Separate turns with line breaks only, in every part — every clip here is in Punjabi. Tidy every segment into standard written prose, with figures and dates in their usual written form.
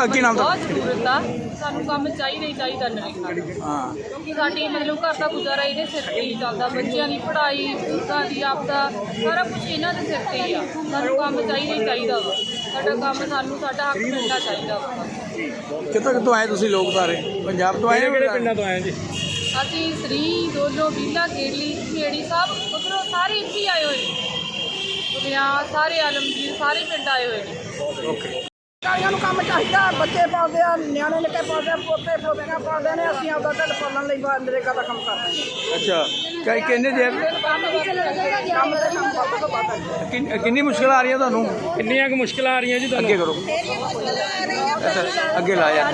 ਕੀ ਨਾਮ
ਬਹੁਤ ਜ਼ਰੂਰਤ ਆ ਸਾਨੂੰ ਕੰਮ ਚਾਹੀਦਾ ਹੀ ਚਾਹੀਦਾ ਨਰੇਗਾ
ਹਾਂ
ਕਿਉਂਕਿ ਸਾਡੀ ਮਤਲਬ ਘਰ ਦਾ ਗੁਜ਼ਾਰਾ ਇਹਦੇ ਸਿਰ ਤੇ ਹੀ ਚੱਲਦਾ। ਬੱਚਿਆਂ ਦੀ ਪੜ੍ਹਾਈ, ਬੁੱਕਾਂ ਦੀ ਆਪਦਾ ਸਾਰਾ ਕੁਝ ਇਹਨਾਂ ਦੇ ਸਿਰ ਤੇ ਹੀ ਆ। ਸਾਨੂੰ ਕੰਮ ਚਾਹੀਦਾ ਹੀ ਚਾਹੀਦਾ ਵਾ। ਸਾਡਾ ਕੰਮ ਸਾਨੂੰ ਸਾਡਾ ਹੱਕ ਮਿਲਣਾ ਚਾਹੀਦਾ ਵਾ।
ਕਿੱਥੋਂ ਆਏ ਤੁਸੀਂ ਲੋਕ ਸਾਰੇ? ਪੰਜਾਬ ਤੋਂ ਆਏ?
ਕਿਹੜੇ ਪਿੰਡਾਂ ਤੋਂ ਆਏ ਜੀ?
ਅਸੀਂ ਸ੍ਰੀ ਦੋਲੋ ਬੀਲਾ ਕੇਲੀ ਖੇੜੀ ਸਾਹਿਬ ਉੱਧਰੋਂ ਸਾਰੇ ਇੱਥੇ ਹੀ ਆਏ ਹੋਏ ਨੇ। ਦੁਨੀਆ ਸਾਰੇ ਆਲਮਗੀਰ ਸਾਰੇ ਪਿੰਡ ਆਏ ਹੋਏ ਨੇ।
ਓਕੇ।
ਸਾਰਿਆਂ ਨੂੰ ਕੰਮ ਚਾਹੀਦਾ। ਬੱਚੇ ਪਾਲਦੇ ਆ, ਨਿਆਣੇ ਨਿੱਕੇ ਪਾਲਦੇ ਆ, ਪੋਤੇ ਪੋਤੀਆਂ ਪਾਲਦੇ ਨੇ। ਅਸੀਂ ਆਪਦਾ ਢਿੱਡ ਪਾਲਣ ਲਈ ਨਰੇਗਾ ਦਾ ਕੰਮ ਕਰਦੇ ਹਾਂ।
ਅੱਛਾ ਕਿੰਨੇ ਦੇਰ
ਕੰਮ ਦੇ ਕੰਮ ਵੱਧ ਤੋਂ ਵੱਧ।
ਕਿੰਨੀ ਮੁਸ਼ਕਿਲ ਆ ਰਹੀ ਹੈ ਤੁਹਾਨੂੰ?
ਕਿੰਨੀਆਂ ਕੁ ਮੁਸ਼ਕਿਲਾਂ ਆ ਰਹੀਆਂ ਜੀ ਤੁਹਾਨੂੰ?
ਅੱਗੇ ਕਰੋ। ਅੱਗੇ ਲਾਇਆ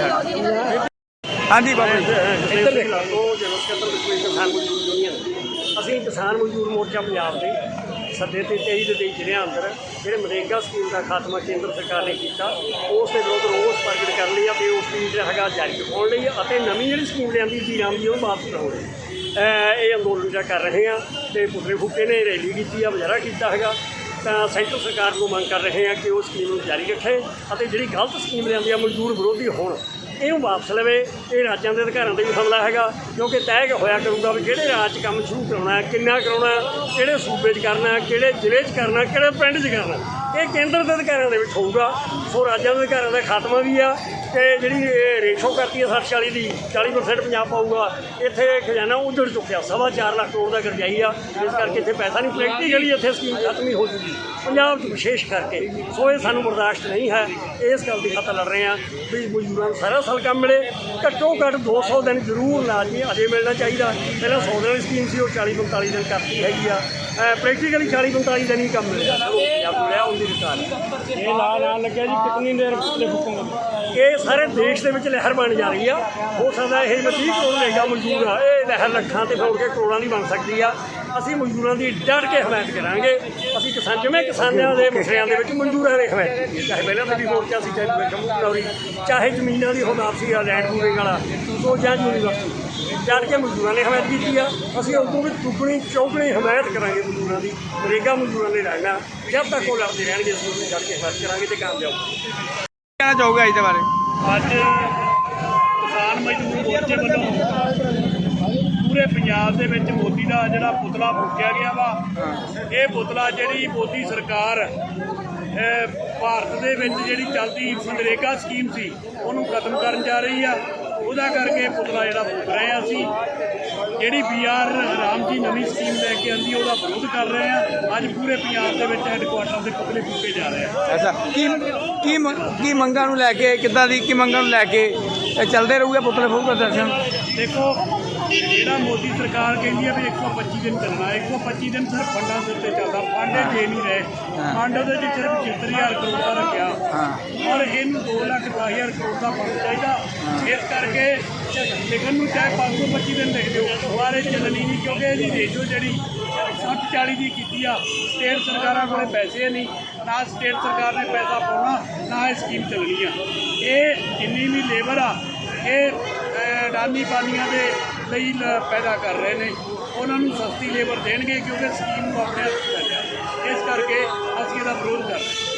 ਹਾਂਜੀ ਬਾਬਾ ਜੀ।
ਇੱਧਰ ਦੇਖ ਲਓ। ਜਨਰਲ ਸਕੱਤਰ ਕਿਸਾਨ ਮਜ਼ਦੂਰ ਯੂਨੀਅਨ, ਅਸੀਂ ਕਿਸਾਨ ਮਜ਼ਦੂਰ ਮੋਰਚਾ ਪੰਜਾਬ ਦੇ ਸੱਦੇ ਤੇ 23 ਦੇ ਜ਼ਿਲ੍ਹਿਆਂ ਅੰਦਰ ਜਿਹੜੇ ਮਨਰੇਗਾ ਸਕੀਮ ਦਾ ਖਾਤਮਾ ਕੇਂਦਰ ਸਰਕਾਰ ਨੇ ਕੀਤਾ, ਉਸ ਦੇ ਵਿਰੁੱਧ ਰੋਸ ਪ੍ਰਗਟ ਕਰਨ ਲਈ ਅਤੇ ਉਸ ਦੀ ਜਿਹੜਾ ਹੈਗਾ ਜਾਰੀ ਰਖਾਉਣ ਲਈ ਅਤੇ ਨਵੀਂ ਜਿਹੜੀ ਸਕੀਮ ਲਿਆਂਦੀ ਸੀ ਰਾਮ ਦੀ ਉਹ ਵਾਪਸ ਕਰਾਉਣ ਲਈ ਇਹ ਅੰਦੋਲਨ ਜਿਹੜਾ ਕਰ ਰਹੇ ਹਾਂ। ਅਤੇ ਪੁਤਲੇ ਫੂਕੇ ਨੇ ਰੈਲੀ ਕੀਤੀ ਆ, ਮੁਜ਼ਾਹਰਾ ਕੀਤਾ ਹੈਗਾ। ਤਾਂ ਸੈਂਟਰ ਸਰਕਾਰ ਨੂੰ ਮੰਗ ਕਰ ਰਹੇ ਹਾਂ ਕਿ ਉਹ ਸਕੀਮ ਨੂੰ ਜਾਰੀ ਰੱਖੇ ਅਤੇ ਜਿਹੜੀ ਗਲਤ ਸਕੀਮ ਲਿਆਂਦੀ ਆ ਮਜ਼ਦੂਰ ਵਿਰੋਧੀ ਹੋਣ, ਇਹਨੂੰ ਵਾਪਸ ਲਵੇ। ਇਹ ਰਾਜਾਂ ਦੇ ਅਧਿਕਾਰਾਂ 'ਤੇ ਵੀ ਹਮਲਾ ਹੈਗਾ, ਕਿਉਂਕਿ ਤੈਅ ਹੋਇਆ ਕਰੂਗਾ ਵੀ ਕਿਹੜੇ ਰਾਜ 'ਚ ਕੰਮ ਸ਼ੁਰੂ ਕਰਾਉਣਾ, ਕਿੰਨਾ ਕਰਾਉਣਾ, ਕਿਹੜੇ ਸੂਬੇ 'ਚ ਕਰਨਾ, ਕਿਹੜੇ ਜ਼ਿਲ੍ਹੇ 'ਚ ਕਰਨਾ, ਕਿਹੜੇ ਪਿੰਡ 'ਚ ਕਰਨਾ। ਇਹ ਕੇਂਦਰ ਦੇ ਅਧਿਕਾਰਾਂ ਦੇ ਵਿੱਚ ਹੋਊਗਾ। ਸੋ ਰਾਜਾਂ ਦੇ ਅਧਿਕਾਰਾਂ ਦਾ ਖਾਤਮਾ ਵੀ ਆ। ਅਤੇ ਜਿਹੜੀ ਰੇਸ਼ੋ ਕਰਤੀ ਹੈ 60-40 ਦੀ, 40% ਪੰਜਾਬ ਪਾਊਗਾ। ਇੱਥੇ ਖਜ਼ਾਨਾ ਉੱਜੜ ਚੁੱਕਿਆ, 4.25 ਲੱਖ ਕਰੋੜ ਦਾ ਕਰਜ਼ਾਈ ਆ। ਇਸ ਕਰਕੇ ਇੱਥੇ ਪੈਸਾ ਨਹੀਂ, ਪ੍ਰੈਕਟੀਕਲੀ ਇੱਥੇ ਸਕੀਮ ਖਤਮ ਹੀ ਹੋ ਜੂਗੀ ਪੰਜਾਬ 'ਚ ਵਿਸ਼ੇਸ਼ ਕਰਕੇ। ਸੋ ਇਹ ਸਾਨੂੰ ਬਰਦਾਸ਼ਤ ਨਹੀਂ ਹੈ। ਇਸ ਗੱਲ ਦੀ ਖਾਤਰ ਲੜ ਰਹੇ ਹਾਂ ਵੀ ਮਜ਼ਦੂਰਾਂ ਨੂੰ ਸਾਰਾ ਸਾਲ ਕੰਮ ਮਿਲੇ। ਘੱਟੋ ਘੱਟ 200 ਦਿਨ ਜ਼ਰੂਰ ਲਾਜ਼ਮੀ ਅਜੇ ਮਿਲਣਾ ਚਾਹੀਦਾ। ਪਹਿਲਾਂ 100 ਦਿਨ ਦੀ ਸਕੀਮ ਸੀ, ਉਹ 40-45 ਦਿਨ ਕਰਤੀ ਹੈਗੀ ਆ। ਪ੍ਰੈਕਟੀਕਲੀ 40-45 ਦਿਨ ਹੀ ਕੰਮ ਮਿਲਿਆ ਰਿਹਾ ਉਹਦੀ ਰਿਕਾਰਡ। ਇਹ ਲਾ ਲੱਗਿਆ ਜੀ, ਕਿੰਨੀ ਦੇਰ ਪੁਤਲੇ ਫੂਕੋਗੇ?
ਇਹ ਸਾਰੇ ਦੇਸ਼ ਦੇ ਵਿੱਚ ਲਹਿਰ ਬਣ ਜਾ ਰਹੀ ਆ। ਹੋ ਸਕਦਾ ਇਹ 30 ਕਰੋੜ ਰਹੇਗਾ ਮਜ਼ਦੂਰ ਆ, ਇਹ ਲਹਿਰ ਲੱਖਾਂ ਤੇ ਫੋੜ ਕੇ ਕਰੋੜਾਂ ਦੀ ਬਣ ਸਕਦੀ ਆ। ਅਸੀਂ ਮਜ਼ਦੂਰਾਂ ਦੀ ਡਟ ਕੇ ਹਮਾਇਤ ਕਰਾਂਗੇ। ਅਸੀਂ ਜਿਵੇਂ ਕਿਸਾਨਾਂ ਦੇ ਮਸਲਿਆਂ ਦੇ ਵਿੱਚ ਮਜ਼ਦੂਰਾਂ ਦੀ ਹਮਾਇਤ ਕੀਤੀ, ਚਾਹੇ ਪਹਿਲਾਂ ਤਾਂ ਵੀ ਮੋਰਚਾ ਸੀ, ਚਾਹੇ ਕਮੂਨੌਰੀ, ਚਾਹੇ ਜ਼ਮੀਨਾਂ ਦੀ ਹੁਣ ਵਾਪਸੀ ਆ, ਲੈਂਡ ਪੂਲਿੰਗ ਵਾਲਾ, ਸੋ ਜਾਂ ਯੂਨੀਵਰਸਿਟੀ, ਡਟ ਕੇ ਮਜ਼ਦੂਰਾਂ ਨੇ ਹਮਾਇਤ ਕੀਤੀ ਆ। ਅਸੀਂ ਉਦੋਂ ਵੀ ਦੁੱਗਣੀ ਚੌਗਣੀ ਹਮਾਇਤ ਕਰਾਂਗੇ ਮਜ਼ਦੂਰਾਂ ਦੀ। ਨਰੇਗਾ ਮਜ਼ਦੂਰਾਂ ਨੇ ਲੜਨਾ, ਜਦ ਤੱਕ ਉਹ ਲੜਦੇ ਰਹਿਣਗੇ ਅਸੀਂ ਉਹਨੂੰ ਡਟ ਕੇ ਹਮਾਇਤ ਕਰਾਂਗੇ ਅਤੇ ਕਾਮਯਾਬ।
ਕਹਿਣਾ ਚਾਹੋਗੇ ਇਸ ਦੇ ਬਾਰੇ?
ਅੱਜ ਕਿਸਾਨ ਮਜ਼ਦੂਰ ਮੋਰਚੇ ਵੱਲੋਂ ਪੂਰੇ ਪੰਜਾਬ ਦੇ ਵਿੱਚ ਮੋਦੀ ਦਾ ਜਿਹੜਾ ਪੁਤਲਾ ਫੂਕਿਆ ਗਿਆ ਵਾ। ਇਹ ਪੁਤਲਾ ਜਿਹੜੀ ਮੋਦੀ ਸਰਕਾਰ ਭਾਰਤ ਦੇ ਵਿੱਚ ਜਿਹੜੀ ਚੱਲਦੀ ਮਨਰੇਗਾ ਸਕੀਮ ਸੀ ਉਹਨੂੰ ਖਤਮ ਕਰਨ ਜਾ ਰਹੀ ਆ। ਉਹਦਾ ਕਰਕੇ ਪੁਤਲਾ ਜਿਹੜਾ ਫੂਕ ਰਹੇ ਆ। ਅਸੀਂ ਜਿਹੜੀ BR ਰਾਮ ਜੀ ਨਵੀਂ ਸਕੀਮ ਲੈ ਕੇ ਆਂਦੀ ਉਹਦਾ ਵਿਰੋਧ ਕਰ ਰਹੇ ਆ। ਅੱਜ ਪੂਰੇ ਪੰਜਾਬ ਦੇ ਵਿੱਚ ਹੈੱਡਕੁਆਟਰ ਦੇ ਪੁਤਲੇ ਫੂਕੇ ਜਾ ਰਹੇ ਆ।
ਅੱਛਾ ਕੀ ਮੰਗਾਂ ਨੂੰ ਲੈ ਕੇ, ਕਿੱਦਾਂ ਦੀ ਕੀ ਮੰਗਾਂ ਨੂੰ ਲੈ ਕੇ ਚੱਲਦੇ ਰਹੂਗੇ ਪੁਤਲੇ ਫੂਕ ਪ੍ਰਦਰਸ਼ਨ?
ਦੇਖੋ, ਜਿਹੜਾ ਮੋਦੀ ਸਰਕਾਰ ਕਹਿੰਦੀ ਹੈ ਵੀ 125 ਦਿਨ ਚੱਲਣਾ, 125 ਦਿਨ ਸਿਰਫ ਫੰਡਾਂ ਦੇ ਉੱਤੇ ਚੱਲਦਾ। ਫੰਡ ਦੇ ਨਹੀਂ ਰਹੇ, ਫੰਡ ਉਹਦੇ 'ਚ ਸਿਰਫ 75,000 ਕਰੋੜ ਦਾ ਰੱਖਿਆ ਔਰ ਇਹਨੂੰ 2,10,000 ਕਰੋੜ ਦਾ ਫੰਡ ਚਾਹੀਦਾ। ਇਸ ਕਰਕੇ ਲਿਖਣ ਨੂੰ ਚਾਹੇ 525 ਦਿਨ ਲਿਖ ਦਿਓ, ਦੁਬਾਰੇ ਚੱਲਣੀ ਨਹੀਂ, ਕਿਉਂਕਿ ਇਹਦੀ ਰੇਸ਼ੋ ਜਿਹੜੀ 60-40 ਦੀ ਕੀਤੀ ਆ। ਸਟੇਟ ਸਰਕਾਰਾਂ ਕੋਲ ਪੈਸੇ ਨਹੀਂ, ਨਾ ਸਟੇਟ ਸਰਕਾਰ ਨੇ ਪੈਸਾ ਪਾਉਣਾ, ਨਾ ਇਹ ਸਕੀਮ ਚੱਲਣੀ ਆ। ਇਹ ਜਿੰਨੀ ਵੀ ਲੇਬਰ ਆ ਇਹ ਅਡਾਨੀ ਪਾਨੀਆਂ ਦੇ ਲਈ ਪੈਦਾ ਕਰ ਰਹੇ ਨੇ। ਉਹਨਾਂ ਨੂੰ ਸਸਤੀ ਲੇਬਰ ਦੇਣਗੇ ਕਿਉਂਕਿ ਸਕੀਮ ਨੂੰ ਆਪਣੇ ਹੱਥ 'ਚ ਲੈ ਲਿਆ। ਇਸ ਕਰਕੇ ਅਸੀਂ ਇਹਦਾ ਵਿਰੋਧ ਕਰ ਰਹੇ ਹਾਂ।